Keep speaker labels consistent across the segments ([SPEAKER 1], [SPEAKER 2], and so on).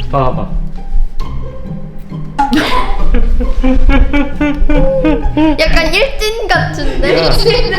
[SPEAKER 1] 봐봐.
[SPEAKER 2] 약간 1등 같은데?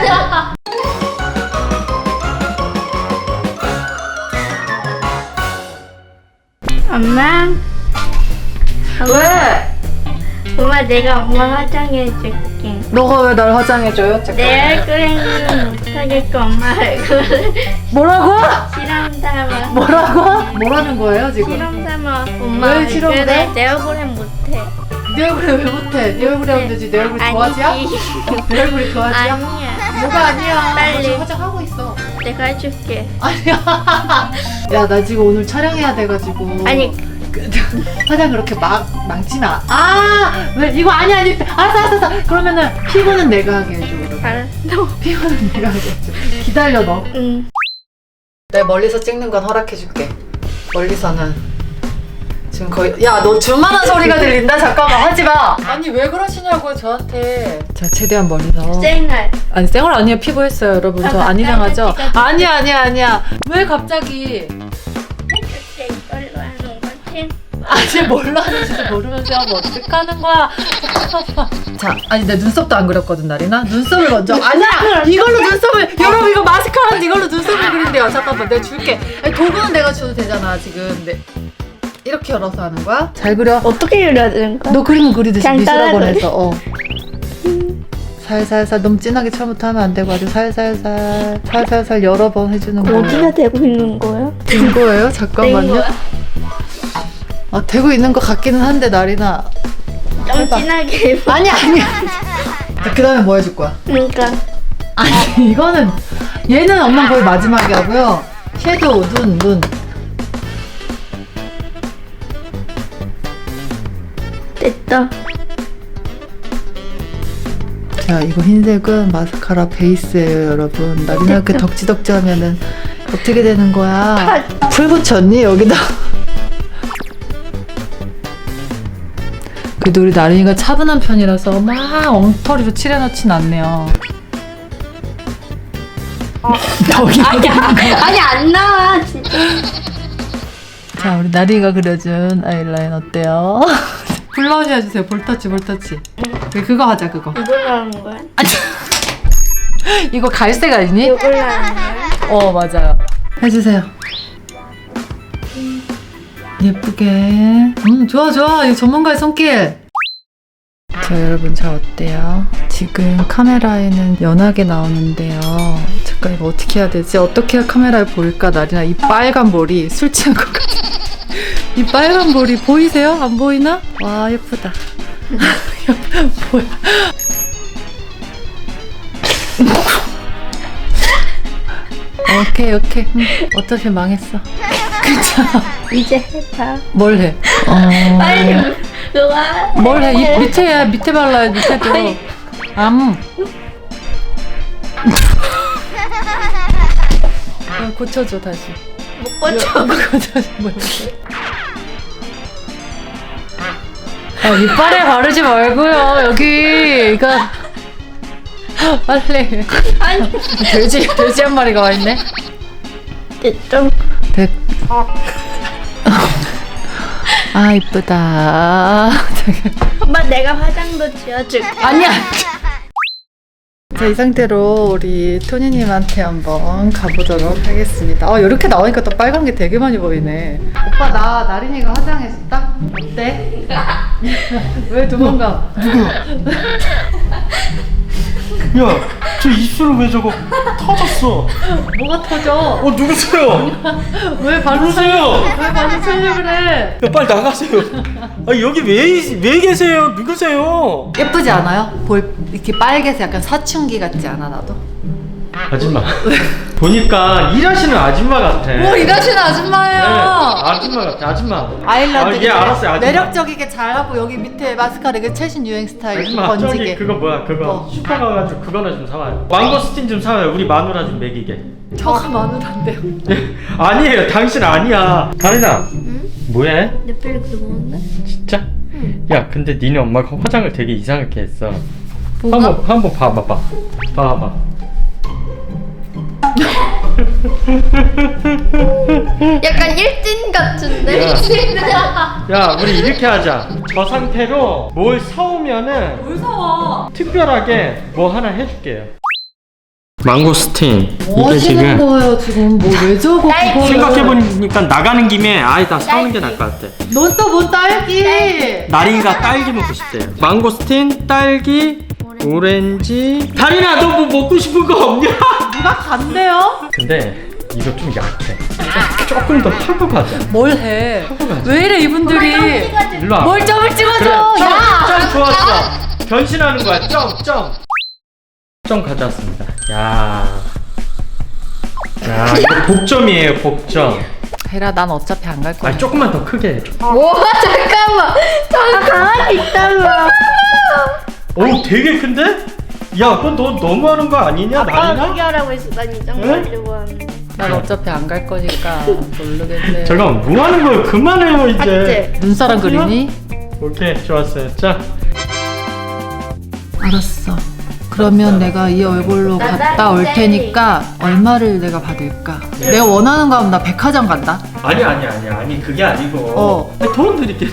[SPEAKER 2] 엄마?
[SPEAKER 3] 왜?
[SPEAKER 2] 엄마 내가 엄마 화장해줄게.
[SPEAKER 3] 너가 왜 날 화장해줘요?
[SPEAKER 2] 내 얼굴에는 못하겠고 엄마 얼굴을
[SPEAKER 3] 뭐라고?
[SPEAKER 2] 실험 삼아.
[SPEAKER 3] 뭐라고? 뭐라는 거예요 지금?
[SPEAKER 2] 실험 삼아. 엄마
[SPEAKER 3] 왜 실험을
[SPEAKER 2] 얼굴을
[SPEAKER 3] 해?
[SPEAKER 2] 내 얼굴엔 못해.
[SPEAKER 3] 네 얼굴에 왜 못해? 네 얼굴에 하면 되지. 내 얼굴이 도화지야?
[SPEAKER 2] 아니지.
[SPEAKER 3] 내 얼굴이 도화지야?
[SPEAKER 2] 아니야.
[SPEAKER 3] 뭐가 아니야?
[SPEAKER 2] 빨리.
[SPEAKER 3] 나 지금 화장하고 있어.
[SPEAKER 2] 내가 해줄게.
[SPEAKER 3] 아니야. 야, 나 지금 오늘 촬영해야 돼가지고.
[SPEAKER 2] 아니
[SPEAKER 3] 화장 그렇게 막 망치면 왜 이거 아니야. 알았어. 그러면은 피부는 내가 하게 해줘. 그러면.
[SPEAKER 2] 알았어.
[SPEAKER 3] 피부는 내가 하게 해줘. 기다려 너.
[SPEAKER 2] 응.
[SPEAKER 3] 내 멀리서 찍는 건 허락해줄게. 멀리서는 지금 거의 너 줄만한 소리가 들린다. 잠깐만 하지마. 아니 왜 그러시냐고요 저한테. 자 최대한 멀리서.
[SPEAKER 2] 쌩알.
[SPEAKER 3] 아니 쌩얼 아니에요. 피부했어요 여러분. 저 안 이상하죠?
[SPEAKER 2] 빨간색이
[SPEAKER 3] 아니야. 왜 갑자기
[SPEAKER 2] 해줄게. 이걸로 하는 거지?
[SPEAKER 3] 아직 뭘로 하는지도 모르면서 하면 어떡하는 거야. 자, 아니 내 눈썹도 안 그렸거든 나리나. 눈썹을 먼저. 아니야. 이걸로 눈썹을. 여러분 이거 마스카라인데 이걸로 눈썹을 그린대요. 잠깐만 내가 줄게. 아니, 도구는 내가 줘도 되잖아 지금. 네. 이렇게 열어서 하는 거야? 잘 그려.
[SPEAKER 2] 어떻게 그려야 되는 거야?
[SPEAKER 3] 너 그림 그리듯이
[SPEAKER 2] 그냥
[SPEAKER 3] 미술학원에서. 살살살 너무 진하게 처음부터 하면 안 되고 아주 살살 여러 번 해주는 거예요.
[SPEAKER 2] 어디가 되고 있는 거야?
[SPEAKER 3] 된 거예요? 잠깐만요.
[SPEAKER 2] 된 거야?
[SPEAKER 3] 되고 있는 것 같기는 한데 나리나.
[SPEAKER 2] 좀
[SPEAKER 3] 해봐.
[SPEAKER 2] 진하게 해봐.
[SPEAKER 3] 아니야. 그 다음에 뭐 해줄 거야?
[SPEAKER 2] 그러니까
[SPEAKER 3] 아니 이거는 얘는 엄마 거의 마지막에 하고요. 섀도우 눈.
[SPEAKER 2] 됐다.
[SPEAKER 3] 자 이거 흰색은 마스카라 베이스예요 여러분. 나리나 이렇게 덕지덕지 하면은 어떻게 되는 거야? 풀 붙였니 여기다? 그래도 우리 나린이가 차분한 편이라서 막 엉터리로 칠해놓진 않네요.
[SPEAKER 2] 아니 안 나와 진짜.
[SPEAKER 3] 자 우리 나린이가 그려준 아이라인 어때요? 블러셔 해주세요. 볼터치. 그거 하자 그거.
[SPEAKER 2] 이걸로 하는 거야?
[SPEAKER 3] 이거 갈색 아니니?
[SPEAKER 2] 이걸로 하는 거야?
[SPEAKER 3] 맞아요. 해주세요. 예쁘게. 좋아. 이거 전문가의 손길. 자 여러분 어때요? 지금 카메라에는 연하게 나오는데요. 잠깐 이거 어떻게 해야 되지? 어떻게 해야 카메라에 보일까? 나리나 이 빨간 머리 술 취한 것 같아. 이 빨간 머리 보이세요? 안 보이나? 와 예쁘다. 뭐야? 오케이. 어차피 망했어. 괜찮아.
[SPEAKER 2] 이제 해봐.
[SPEAKER 3] 뭘 해?
[SPEAKER 2] 빨리 너가.
[SPEAKER 3] 뭘 해? 밑에 발라야 밑에도. 고쳐줘 다시.
[SPEAKER 2] 못 고쳐.
[SPEAKER 3] 고쳐줘. 뭐 이빨에 바르지 말고요. 여기 이거 빨리.
[SPEAKER 2] 아니
[SPEAKER 3] 돼지 한 마리가 와 있네.
[SPEAKER 2] 됐죠?
[SPEAKER 3] 됐. 이쁘다.
[SPEAKER 2] 엄마 내가 화장도 지워줄게.
[SPEAKER 3] 아니야. 자, 이 상태로 우리 토니님한테 한번 가보도록 하겠습니다. 이렇게 나오니까 또 빨간 게 되게 많이 보이네. 오빠, 나린이가 화장해줬다? 어때? 왜 도망가?
[SPEAKER 1] 야, 저 입술은 왜 저거 터졌어?
[SPEAKER 3] 뭐가 터져?
[SPEAKER 1] 누구세요?
[SPEAKER 3] 왜 발로
[SPEAKER 1] 누구세요?
[SPEAKER 3] 왜 발로 차려 그래?
[SPEAKER 1] 야, 빨리 나가세요. 여기 왜 계세요? 누구세요?
[SPEAKER 3] 예쁘지 않아요? 이렇게 빨개서 약간 사춘기 같지 않아, 나도?
[SPEAKER 1] 아줌마. 보니까 일하시는 아줌마 같아.
[SPEAKER 3] 뭘 일하시는 아줌마예요?
[SPEAKER 1] 아줌마 같아, 아줌마.
[SPEAKER 3] 아일랜드
[SPEAKER 1] 예, 알았어요, 아줌마.
[SPEAKER 3] 매력적이게 잘하고 여기 밑에 마스카라 이거 최신 유행 스타일
[SPEAKER 1] 아줌마,
[SPEAKER 3] 번지게.
[SPEAKER 1] 저기 그거 뭐야, 그거
[SPEAKER 3] 뭐?
[SPEAKER 1] 슈퍼 가가지고 그거나 좀 사와요. 망고스틴 좀 사와요. 우리 마누라 좀 먹이게.
[SPEAKER 3] 저가 마누라인데요.
[SPEAKER 1] 아니에요, 당신 아니야. 다리나. 뭐해?
[SPEAKER 2] 내 빨리 그리고는데?
[SPEAKER 1] 진짜? 야, 근데 니네 엄마가 화장을 되게 이상하게 했어.
[SPEAKER 3] 뭐가?
[SPEAKER 1] 한번 봐봐.
[SPEAKER 2] 약간 일진 같은데?
[SPEAKER 1] 야, 우리 이렇게 하자. 저 상태로 뭘 사오면은
[SPEAKER 3] 뭘 사와?
[SPEAKER 1] 특별하게 뭐 하나 해줄게요. 망고스틴.
[SPEAKER 3] 뭐 하시는 거예요 지금? 뭐 왜 저거 그거를?
[SPEAKER 1] 생각해보니까 나가는 김에 아예 다 사오는 게 나을 것 같아.
[SPEAKER 3] 넌 또 뭔 딸기?
[SPEAKER 1] 나린이가 딸기 먹고 싶대요. 망고스틴, 딸기, 오렌지. 다린아, 너 뭐 먹고 싶은 거 없냐?
[SPEAKER 3] 누가 간대요?
[SPEAKER 1] 근데 이거 좀 약해. 조금 더 하고 가자.
[SPEAKER 3] 뭘 해? 왜 이래 이분들이?
[SPEAKER 1] 일로 와.
[SPEAKER 3] 뭘 점을
[SPEAKER 1] 그래,
[SPEAKER 3] 찍어줘?
[SPEAKER 1] 점 좋았어. 변신하는 거야. 점 가져왔습니다. 야, 이거 복점이에요. 복점.
[SPEAKER 3] 헤라 난 어차피 안 갈 거야.
[SPEAKER 1] 아, 조금만 더 크게 해줘.
[SPEAKER 2] 와 잠깐만. 저 강아지 있다며.
[SPEAKER 1] 오, 되게 큰데? 야, 그건 너 너무하는 거 아니냐,
[SPEAKER 2] 아빠가
[SPEAKER 1] 나린아?
[SPEAKER 2] 크게 하라고 했어. 난 이 정도 하려고 하는데.
[SPEAKER 3] 난 어차피 안 갈 거니까 모르겠네.
[SPEAKER 1] 잠깐, 뭐 하는 거예요? 그만해요 이제.
[SPEAKER 2] 맞지?
[SPEAKER 3] 눈사람 그리니?
[SPEAKER 1] 오케이, 좋았어요. 자,
[SPEAKER 3] 알았어. 그러면 내가 이 얼굴로 갔다 올 테니까 얼마를 내가 받을까? 내가 원하는 거 하면 나 백화점 간다.
[SPEAKER 1] 아니 그게 아니고.
[SPEAKER 3] 어.
[SPEAKER 1] 아니, 돈 드릴게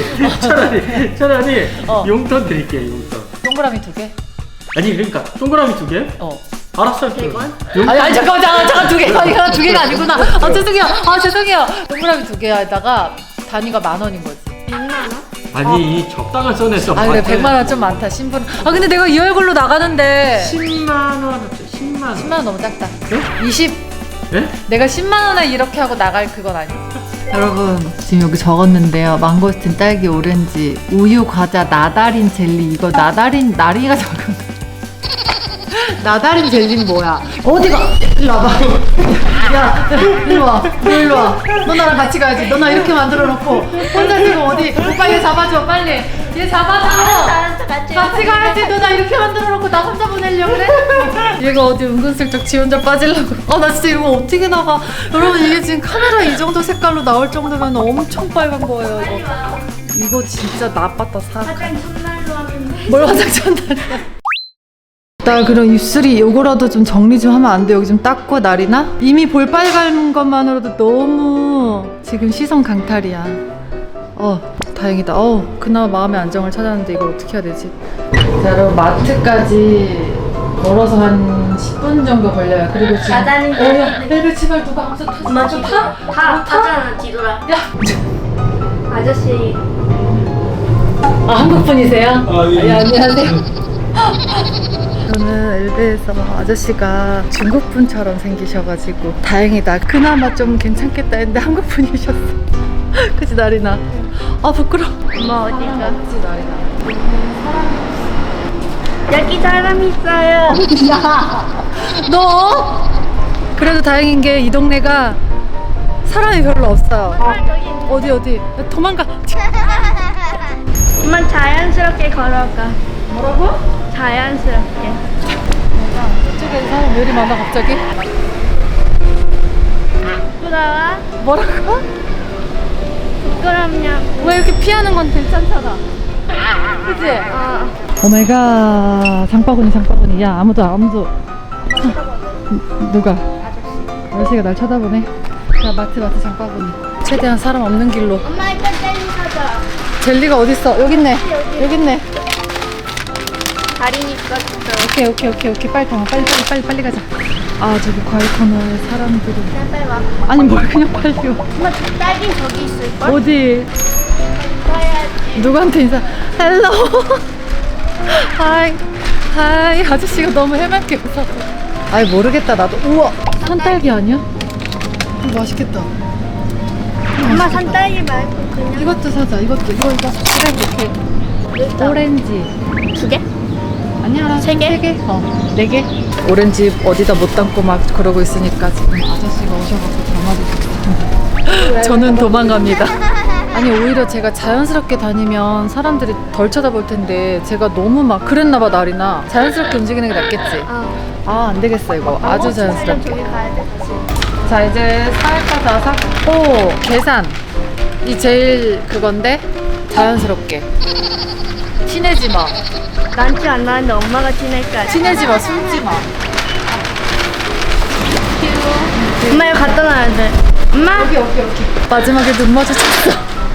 [SPEAKER 1] 차라리
[SPEAKER 3] 어.
[SPEAKER 1] 용돈 드릴게 용돈.
[SPEAKER 3] 동그라미 2개?
[SPEAKER 1] 아니 그러니까 동그라미 2개?
[SPEAKER 3] 어.
[SPEAKER 1] 알았어.
[SPEAKER 2] 100원?
[SPEAKER 3] 아니 잠깐 2개. 아니 2개가 아니구나. 죄송해요. 동그라미 2개에다가 단위가 10,000원인 거지.
[SPEAKER 2] 100만 원?
[SPEAKER 1] 아니 적당한 선에서.
[SPEAKER 3] 아 그래 100만 원 좀 많다 신분. 아 근데 내가 이 얼굴로 나가는데
[SPEAKER 1] 10만 원. 10만 원.
[SPEAKER 3] 10만 원 너무 작다.
[SPEAKER 1] 네?
[SPEAKER 3] 20.
[SPEAKER 1] 네?
[SPEAKER 3] 내가 10만 원에 이렇게 하고 나갈 그건 아니지. 여러분 지금 여기 적었는데요. 망고스틴, 딸기, 오렌지, 우유, 과자, 나다린 젤리. 이거 나리가 적은 거. 나다린 젤리는 뭐야? 어디가? 일로 와봐. 야, 일로 와. 너 일로 와. 너 나랑 같이 가야지. 너 나 이렇게 만들어 놓고 혼자 지금 어디? 오빠 얘 잡아줘 빨리. 얘 잡아줘.
[SPEAKER 2] 알았어 같이
[SPEAKER 3] 가야지. 너 나 이렇게 만들어 놓고 나 혼자 보내려고 그래? 얘가 어디 은근슬쩍 지 혼자 빠지려고. 나 진짜 이거 어떻게 나가? 여러분 이게 지금 카메라 이 정도 색깔로 나올 정도면 엄청 빨간 거예요 이거. 이거 진짜 나빴다 사.
[SPEAKER 2] 화장 첫날로 하면 돼.
[SPEAKER 3] 뭘 화장 첫날이야? 나 그럼 입술이 요거라도 좀 정리 좀 하면 안 돼? 여기 좀 닦고 날이나? 이미 볼빨간 것만으로도 너무 지금 시선 강탈이야. 다행이다. 그나마 마음의 안정을 찾았는데 이걸 어떻게 해야 되지? 자 여러분 마트까지 걸어서 한 10분 정도 걸려요. 그리고 지금
[SPEAKER 2] 가자는
[SPEAKER 3] 벨벳 치발 누가 앞서 탔어?
[SPEAKER 2] 엄마
[SPEAKER 3] 좀 타?
[SPEAKER 2] 다 타잖아 뒤돌아.
[SPEAKER 3] 야!
[SPEAKER 2] 아저씨
[SPEAKER 3] 한국 분이세요?
[SPEAKER 1] 예.
[SPEAKER 3] 안녕하세요. 저는 엘베에서 아저씨가 중국 분처럼 생기셔가지고 다행이다. 그나마 좀 괜찮겠다 했는데 한국 분이셨어. 그치 나리나? 부끄러워.
[SPEAKER 2] 엄마 어디가?
[SPEAKER 3] 그치 나리나?
[SPEAKER 2] 여기 사람 있어요.
[SPEAKER 3] 너? 그래도 다행인 게 이 동네가 사람이 별로 없어요. 어디? 야, 도망가.
[SPEAKER 2] 엄마 자연스럽게 걸어가.
[SPEAKER 3] 뭐라고?
[SPEAKER 2] 자연스럽게.
[SPEAKER 3] 저쪽에 사람 왜 이리 많아 갑자기?
[SPEAKER 2] 부끄러워?
[SPEAKER 3] 뭐라고?
[SPEAKER 2] 부끄럽냐?
[SPEAKER 3] 왜 이렇게 피하는 건 괜찮잖아. 그치?
[SPEAKER 2] 어.
[SPEAKER 3] 오마이갓 장바구니 야 아무도 누가? 아저씨가 날 쳐다보네. 자 마트 장바구니 최대한 사람 없는 길로.
[SPEAKER 2] 엄마 이거 젤리 사자.
[SPEAKER 3] 젤리가 어딨어? 여기 있네.
[SPEAKER 2] 다리니 것도.
[SPEAKER 3] 오케이 빨리 가자. 저기 과일 코너에 사람들이.
[SPEAKER 2] 빨리 와.
[SPEAKER 3] 아니 뭘 그냥 빨리 와.
[SPEAKER 2] 엄마 딸기 저기 있을걸?
[SPEAKER 3] 어디?
[SPEAKER 2] 봐야지.
[SPEAKER 3] 누구한테 인사? 헬로. 하이 아저씨가 너무 해맑게 웃었어. 아이 모르겠다 나도. 우와 산딸기 아니야? 이거 맛있겠다.
[SPEAKER 2] 엄마 산딸기 말고 그냥.
[SPEAKER 3] 이것도 사자. 이거 그래 이렇게. 오렌지
[SPEAKER 2] 2개?
[SPEAKER 3] 아니야
[SPEAKER 2] 3개?
[SPEAKER 3] 3개? 4개? 오렌지 어디다 못 담고 막 그러고 있으니까 지금 아저씨가 오셔가지고 담아주셨어요. 저는 도망갑니다. 아니 오히려 제가 자연스럽게 다니면 사람들이 덜 쳐다볼 텐데 제가 너무 막 그랬나봐 나리나. 자연스럽게 움직이는 게 낫겠지? 안 되겠어 이거. 아주 자연스럽게.
[SPEAKER 2] 저기 가야 돼.
[SPEAKER 3] 자 이제 살 거 다 샀고 계산 이 제일 그건데 자연스럽게 티내지 마.
[SPEAKER 2] 난 티 안 나는데 엄마가 티낼까?
[SPEAKER 3] 티내지 마. 숨지 마.
[SPEAKER 2] 엄마 이거 갖다 놔야 돼. 엄마?
[SPEAKER 3] 여기. 마지막에 눈 마주쳤어.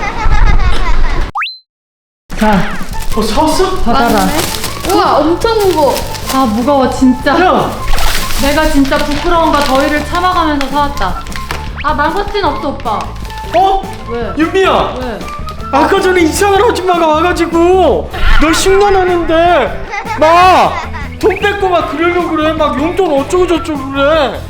[SPEAKER 3] 자,
[SPEAKER 1] 사왔어?
[SPEAKER 3] 받아라.
[SPEAKER 2] 우와 엄청 무거워.
[SPEAKER 3] 아, 무거워, 진짜.
[SPEAKER 1] 야!
[SPEAKER 3] 내가 진짜 부끄러움과 더위를 참아가면서 사왔다. 아, 망고스틴 없어, 오빠.
[SPEAKER 1] 어?
[SPEAKER 3] 왜?
[SPEAKER 1] 윤미야!
[SPEAKER 3] 왜?
[SPEAKER 1] 아까 전에 이상한 아줌마가 와가지고 너 흉내내는데 막 돈 뺏고 막 그러려고 그래. 막 용돈 어쩌고 저쩌고 그래.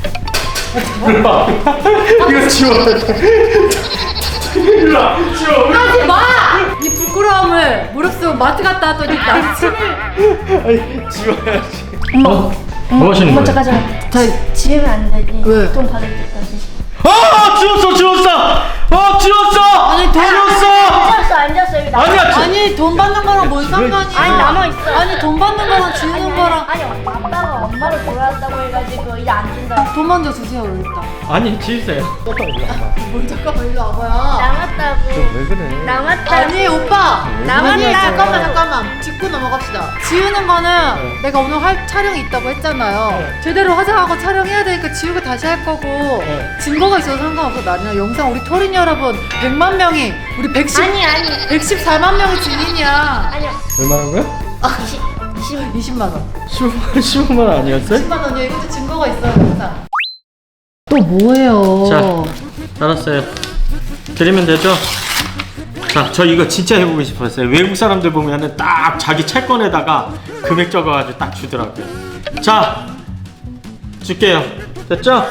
[SPEAKER 1] 이거 지워야 돼. 일로와, 지워.
[SPEAKER 3] 하지 마! 이 부끄러움을 무릅쓰고 마트 갔다 왔더니 남친을.
[SPEAKER 1] 아니, 지워야지.
[SPEAKER 2] 엄마.
[SPEAKER 1] 뭐 하시는
[SPEAKER 2] 엄마
[SPEAKER 1] 거예요?
[SPEAKER 2] 잠깐.
[SPEAKER 3] 자,
[SPEAKER 2] 지우면 안 되지.
[SPEAKER 3] 왜?
[SPEAKER 2] 돈 받을 때까지.
[SPEAKER 1] 아, 지웠어. 지웠어.
[SPEAKER 3] 아니, 돈
[SPEAKER 1] 지웠어.
[SPEAKER 2] 앉았어 여기 나.
[SPEAKER 1] 아니야.
[SPEAKER 3] 아니, 돈 받는 거랑 뭔 상관이야?
[SPEAKER 2] 아니 남아있어.
[SPEAKER 3] 아니, 돈 받는 거랑 지우는 거랑.
[SPEAKER 2] 아니 아빠가 엄마를 돌아왔다고 해가지고 이제 안 준다.
[SPEAKER 3] 돈 먼저 주세요, 일단.
[SPEAKER 1] 아니, 지우세요.
[SPEAKER 3] 뭘 잠깐만 일로 와봐요.
[SPEAKER 2] 남았다고.
[SPEAKER 1] 왜 그래?
[SPEAKER 2] 남았다고.
[SPEAKER 3] 아니, 오빠.
[SPEAKER 2] 남았다.
[SPEAKER 3] 아니, 잠깐만. 짚고 넘어갑시다. 지우는 거는 내가 오늘 할 촬영이 있다고 했잖아요. 제대로 화장하고 촬영해야 되니까 지우고 다시 할 거고. 증거가 있어도 상관없어. 나는 영상 우리 토린 여러분 100만 명이 우리
[SPEAKER 2] 아니
[SPEAKER 3] 114만 명이 증인이야.
[SPEAKER 2] 아니야.
[SPEAKER 1] 얼마나 거야?
[SPEAKER 3] 20만 원.
[SPEAKER 1] 15만 원 아니었어요?
[SPEAKER 3] 10만 원이요. 이것도 증거가 있어요, 영상. 또 뭐예요?
[SPEAKER 1] 자, 알았어요. 드리면 되죠? 자, 저 이거 진짜 해보고 싶었어요. 외국 사람들 보면은 딱 자기 채권에다가 금액 적어가지고 딱 주더라고요. 자, 줄게요. 됐죠?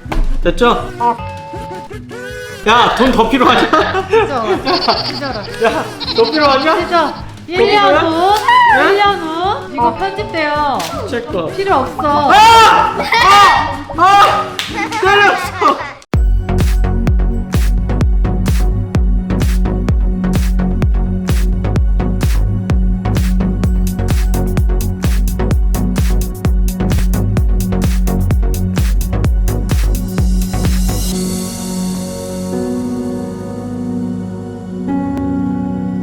[SPEAKER 1] 야, 돈 더 필요하냐?
[SPEAKER 3] 찢어라.
[SPEAKER 1] 야, 더 필요하냐?
[SPEAKER 3] 찢어. 1년 후. 1년 후. 이거 편집돼요.
[SPEAKER 1] 채권.
[SPEAKER 3] 필요 없어.
[SPEAKER 1] 때렸어.